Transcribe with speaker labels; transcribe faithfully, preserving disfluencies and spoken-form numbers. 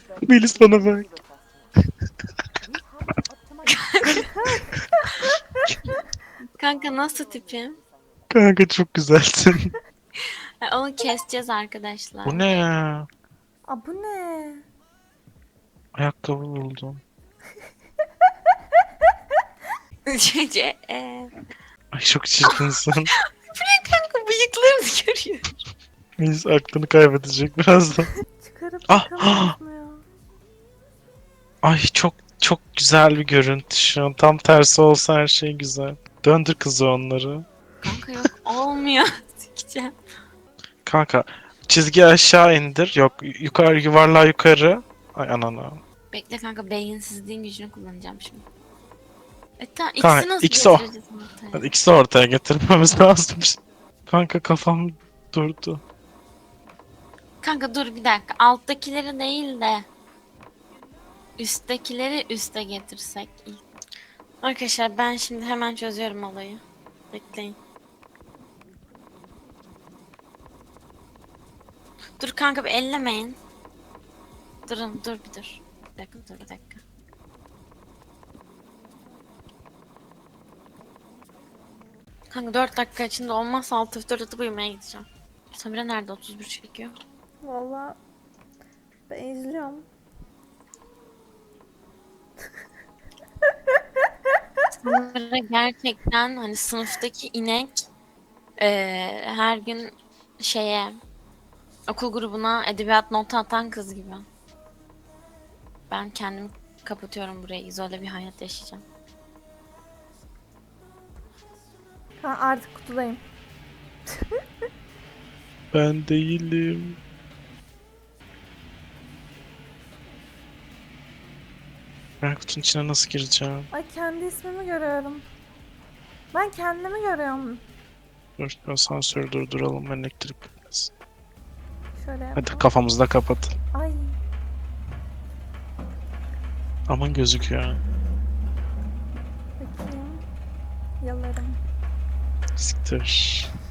Speaker 1: Melis bana bak.
Speaker 2: Kanka nasıl tipim?
Speaker 1: Kanka çok güzelsin.
Speaker 2: Ha, onu keseceğiz
Speaker 1: Bu
Speaker 2: arkadaşlar.
Speaker 1: ne ya?
Speaker 3: Aa bu ne?
Speaker 1: Ayakkabı buldum.
Speaker 2: Cece. e.
Speaker 1: Ay çok çirkinsin.
Speaker 2: Kanka bıyıklarını görüyor.
Speaker 1: Melis aklını kaybedecek birazdan.
Speaker 3: Çıkarıp
Speaker 1: Ah,
Speaker 3: takamıyoruz
Speaker 1: ah!
Speaker 3: mu ya?
Speaker 1: Ay çok çok güzel bir görüntü şu an. Tam tersi olsa her şey güzel. Döndür kızı onları.
Speaker 2: Kanka yok olmuyor. Sikeceğim.
Speaker 1: Kanka çizgi aşağı indir. Yok yukarı yuvarlağı yukarı. Ay anana.
Speaker 2: Bekle kanka beyinsizliğin gücünü kullanacağım şimdi. E tamam
Speaker 1: Kanka
Speaker 2: ikisi nasıl
Speaker 1: ikisi o.
Speaker 2: getireceğiz ortaya?
Speaker 1: İkisi de ortaya getirmemiz lazım. Kanka kafam durdu.
Speaker 2: Kanka dur bir dakika. Alttakileri değil de üsttekileri üste getirsek ilk. Arkadaşlar ben şimdi hemen çözüyorum olayı. Bekleyin. Dur kanka bir ellemeyin. Durun dur bir dur. Bir dakika dur bir dakika. Kanka dört dakika içinde olmazsa alt F dört atıp uyumaya gideceğim. Samira nerede otuz bir çekiyor?
Speaker 3: Valla ben izliyorum.
Speaker 2: Samira gerçekten hani sınıftaki inek eee, her gün şeye okul grubuna edebiyat notu atan kız gibi. Ben kendimi kapatıyorum buraya. İzole bir hayat yaşayacağım.
Speaker 3: Ha artık kutudayım.
Speaker 1: Ben değilim. Ben kutunun içine nasıl gireceğim?
Speaker 3: Ay kendi ismimi görüyorum. Ben kendimi görüyorum.
Speaker 1: Dur asansörü durduralım elektrik gitmesin.
Speaker 3: Şöyle
Speaker 1: Hadi
Speaker 3: yapalım.
Speaker 1: kafamızda kapat.
Speaker 3: Ay
Speaker 1: Aman gözüküyor.
Speaker 3: bakayım. Yalarım.
Speaker 1: Siktir.